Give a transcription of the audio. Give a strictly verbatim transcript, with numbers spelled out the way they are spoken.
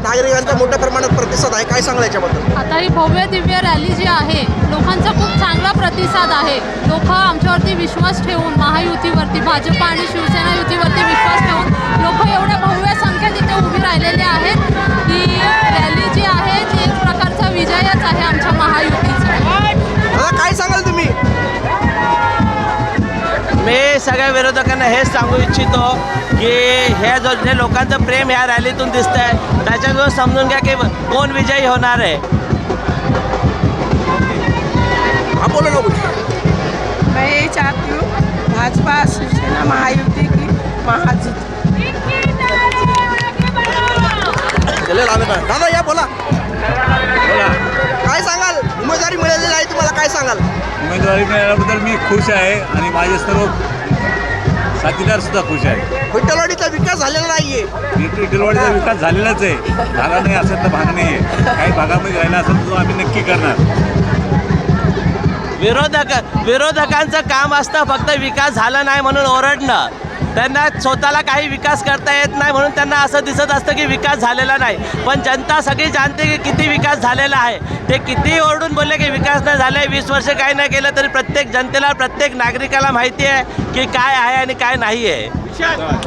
नागरिकांचा मोठ्या प्रमाणात प्रतिसाद आहे, काय सांगाल याच्याबद्दल? आता ही भव्य दिव्य रॅली जी आहे, लोकांचा खूप चांगला प्रतिसाद आहे. लोक आमच्यावरती विश्वास ठेवून महायुतीवरती, भाजप आणि शिवसेना युतीवरती विश्वास ठेवून लोक एवढ्या भव्य संख्येत इथे उभी राहिलेले आहेत. ही रॅली जी आहे ती एक प्रकारचा विजयच आहे आमच्या महायुतीचा. दादा काय सांगाल तुम्ही? मी सगळ्या विरोधकांना हेच सांगू इच्छितो की हे जो जे लोकांचं प्रेम ह्या रॅलीतून दिसतं आहे त्याच्याजवळ समजून घ्या की कोण विजयी होणार आहे. हा बोलो ना कुछ. मैं ये चाहती हूँ भाजपा शिवसेना महायुति की महाजीत. दादा या बोला. काय सांगाल? उमेदवारी मिळालेली आहे तुम्हाला, काय सांगाल? उमेदवारी मिळाल्याबद्दल मी खुश आहे आणि माझे सर्व साथीदार सुद्धा खुश आहे. विठ्ठलवाडीचा विकास झालेला नाहीये. विठ्ठलवाडीचा विकास झालेलाच आहे, झाला नाही असं तर भाग नाही आहे. काही भागामध्ये राहिला असेल तो आम्ही नक्की करणार. विरोधक विरोधकांचं काम असतं फक्त विकास झाला नाही म्हणून ओरडणं. त्यांना स्वतःला काही विकास करता येत नाही म्हणून त्यांना असं दिसत असतं की विकास झालेला नाही. पण जनता सगळी जाणते की किती विकास झालेला आहे. ते किती ओरडून बोलले की विकास नाही झाला आहे, वीस वर्ष काही नाही केलं तरी प्रत्येक जनतेला प्रत्येक नागरिकाला माहिती आहे की काय आहे आणि काय नाही आहे.